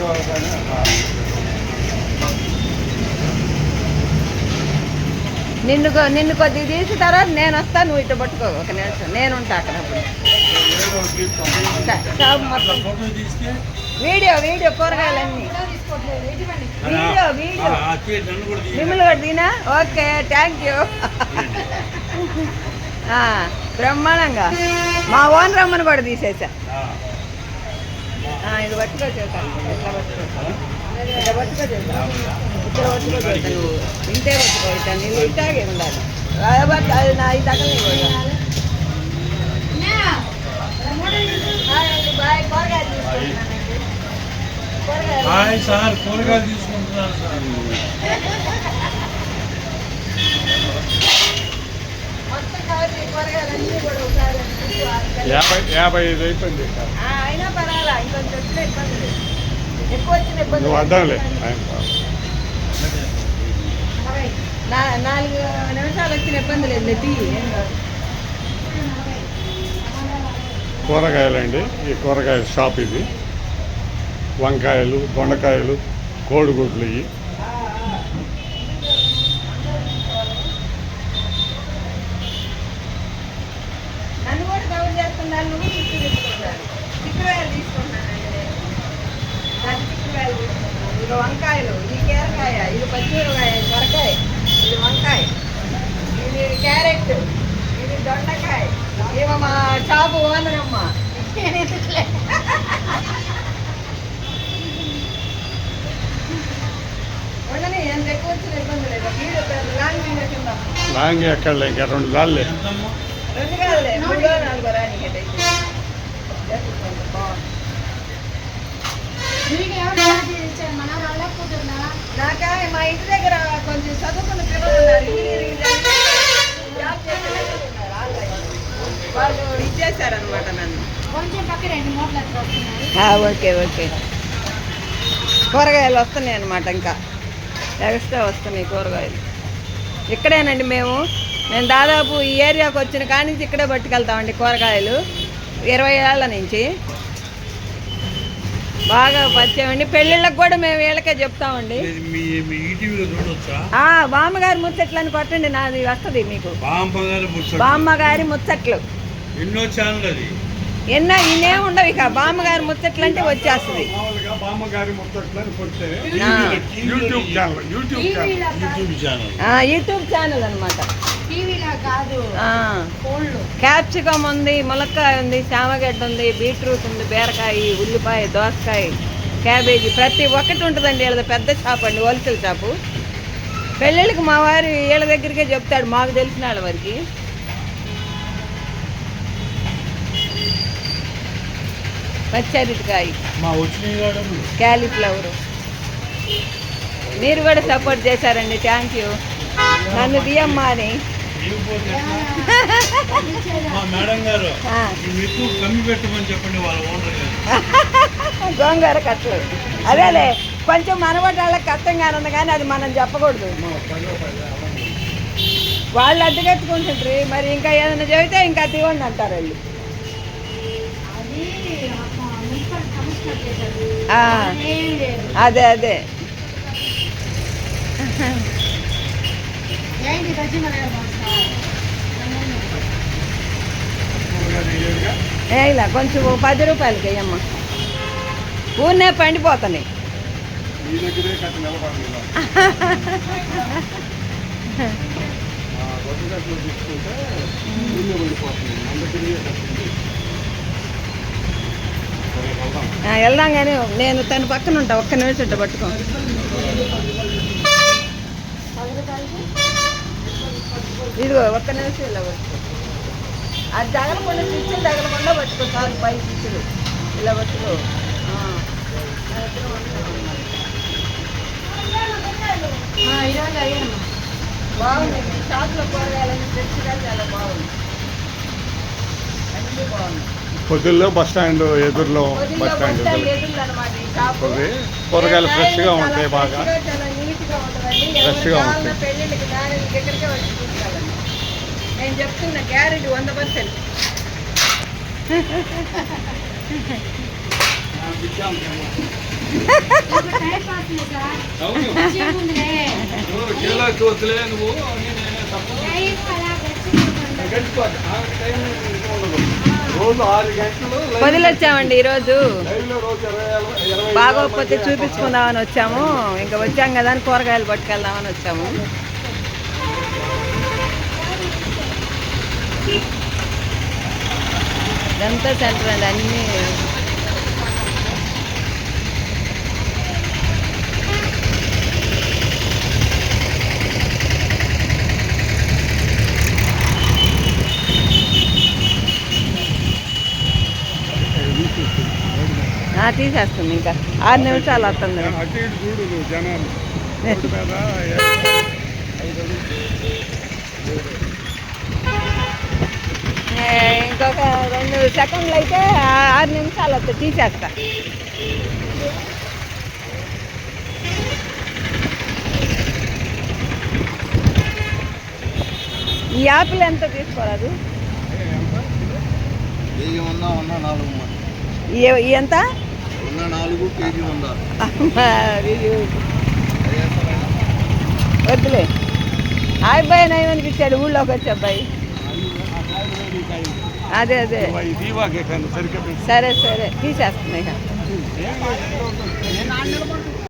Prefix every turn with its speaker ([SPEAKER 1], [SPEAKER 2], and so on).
[SPEAKER 1] నిన్ను కొద్దిగా తీసిన తర్వాత నేను వస్తాను, నువ్వు ఇటు పట్టుకో ఒక నిమిషం, నేను ఉంటా అక్కడ. వీడియో కూరగాయలన్నీ వీడియో మిమ్మల్ని కూడా తినా. Okay, thank you. బ్రహ్మాండంగా మా ఓన్ రమ్మని కూడా తీసేసా. ఇది పట్టుకో చేస్తాను, ఎట్లా పట్టుకోవచ్చు, ఇట్లా పట్టుకో చేస్తాను, ఇక్కడ పట్టుకో చేస్తాను, ఇంతే పట్టుకో ఇస్తాను, నీళ్ళు ఇట్టాగే ఉండాలి. అది నా ఈ తగలే బాయ్. కూరగాయలు తీసుకుంటున్నాను సార్. మొత్తం కావాలి కూరగాయలన్నీ కూడా ఒకసారి
[SPEAKER 2] 55 అయిపోయింది.
[SPEAKER 1] అయినా పర్వాలా, ఇంకొంచెం వచ్చిన ఇబ్బంది లేదు, ఎక్కువ వచ్చిన ఇబ్బంది
[SPEAKER 2] వద్దాంలే.
[SPEAKER 1] 4 నిమిషాలు వచ్చిన ఇబ్బంది లేదు.
[SPEAKER 2] కూరగాయలండి, ఈ కూరగాయల షాప్ ఇది. వంకాయలు, దొండకాయలు, కోడిగుడ్లు ఇవి.
[SPEAKER 1] నన్ను కూడా కవర్ చేస్తున్నాను, నువ్వు చుట్టూ తీసుకుంటాను. చిక్కుడుకాయలు తీసుకుంటున్నానండి నేను, చిక్కుడుకాయలు తీసుకుంటాను. ఇది వంకాయలు, ఇది కీరకాయ, ఇది పచ్చిమిరకాయ, సొరకాయ, ఇది వంకాయ, ఇది క్యారెట్, ఇది దొండకాయ. ఏమో మా షాపు ఓనరమ్మ. ఉండని, ఎంత ఎక్కువ వచ్చిన ఇబ్బంది లేదు. లాంగ్ వీడియో కింద
[SPEAKER 2] లాంగ్ ఎక్కడ ఇంకా 2 దాళ్ళే,
[SPEAKER 1] 2 కాదులే, 3 4 రానికైతే నాకా మా ఇంటి దగ్గర కొంచెం చదువుకున్న పిల్లలు ఉన్నారు, జాబ్ చేసే వాళ్ళు ఇచ్చేసారనమాట నన్ను. ఓకే ఓకే, కూరగాయలు వస్తున్నాయి అనమాట, ఇంకా ఎక్స్ట్రా వస్తున్నాయి కూరగాయలు. ఇక్కడేనండి మేము దాదాపు ఈ ఏరియాకి వచ్చిన కాడి నుంచి ఇక్కడే పట్టుకెళ్తామండి కూరగాయలు. 20 ఏళ్ల నుంచి బాగా పరిచయం. పెళ్ళిళ్ళకి కూడా మేము వీళ్ళకే చెప్తామండి. బామ్మగారి ముచ్చట్లని కొట్టండి, నాది వస్తుంది మీకు. బామ్మగారి ముచ్చట్లు ఎన్నో ఇన్నే ఉండవు, ఇక బామ్మగారి ముచ్చట్లు అంటే వచ్చేస్తుంది. యూట్యూబ్ ఛానల్ అనమాట. క్యాప్సికమ్ ఉంది, ములక్కాయ ఉంది, చామగడ్డ ఉంది, బీట్రూట్ ఉంది, బీరకాయ, ఉల్లిపాయ, దోసకాయ, క్యాబేజీ, ప్రతి ఒక్కటి ఉంటుందండి. వీళ్ళది పెద్ద షాప్ అండి, హోల్సేల్ షాపు. పెళ్ళిళ్ళకి మా వారు వీళ్ళ దగ్గరికే చెప్తాడు, మాకు తెలిసిన వాళ్ళ వరకు. పచ్చరికాయ, క్యాలీఫ్లవరు. మీరు కూడా సపోర్ట్ చేశారండి, థ్యాంక్ యూ. నన్ను తీయమ్మా అని గోంగూర కట్టలు. అదేలే, కొంచెం మనబట్టి వాళ్ళకి కష్టంగానే ఉంది, కానీ అది మనం చెప్పకూడదు. వాళ్ళు అడ్డుకెత్తుకుంటుంటారు, మరి ఇంకా ఏదైనా చెబితే ఇంకా తీవండి అంటారు వాళ్ళు. అదే అదే ఇలా కొంచెం 10 రూపాయలకి వేయమ్మా, ఊరినే పండిపోతున్నాయి. వెళ్దాం, కానీ నేను తన పక్కన ఉంటా, ఒక్క నిమిషం ఉంటా, పట్టుకో. ఇదిగో ఒక్క నిమిషం ఇలా పట్టుకో. అది తగలకుండా, స్విచ్లు తగలకుండా పట్టుకో చాలు, పై స్విచ్లు ఇలా పట్టుకో. బాగుంది షాప్లో కూరగాయలన్నీ ఫ్రెష్గా చాలా బాగుంది, అన్నీ బాగున్నాయి.
[SPEAKER 2] పొద్దుల్లో బస్ స్టాండ్ ఎదురులో, బస్ స్టాండ్ కూరగాయలు ఫ్రెష్గా ఉంటాయి, బాగా ఫ్రెష్గా ఉంటాయి.
[SPEAKER 1] పెళ్ళిళ్ళకి మ్యారేజ్ దగ్గరికే వచ్చి చూసుకోవాలండి, నేను చెప్తున్నా, గ్యారెంటీ 100%.
[SPEAKER 3] అవును కేరళకి వద్దులే నువ్వు అని నేనే తప్పు గడిచిపోద్ది. ఆ టైం ఇంకా ఉండదు. రోజు 6 గంటలు
[SPEAKER 1] వదిలొచ్చామండి ఈరోజు.
[SPEAKER 3] లైవ్లో రోజు 20
[SPEAKER 1] బాగోకపోతే చూపించుకుందామని వచ్చాము. ఇంకా వచ్చాం కదా అని కూరగాయలు పట్టుకెళ్దామని వచ్చాము. ఇదంతా సెంటర్ అండి అన్నీ. తీసేస్తుంది ఇంకా 6 నిమిషాలు వస్తుంది.
[SPEAKER 3] అటు ఇటు చూడు నువ్వు జనాలు రోడ్డు మీద
[SPEAKER 1] ఇంకొక 2 సెకండ్లు అయితే 6 నిమిషాలు వస్తుంది. తీసేస్తా. ఈ యాపిల్ ఎంత తీసుకోరాదు?
[SPEAKER 2] కేజీ ఉందా? 4
[SPEAKER 1] ఎంత?
[SPEAKER 2] 4 కేజీ ఉందా?
[SPEAKER 1] వద్దులే. ఆ అబ్బాయి నయమనిపించాడు ఊళ్ళోకి వచ్చే అబ్బాయి. అదే సరే తీసేస్తున్నాయి.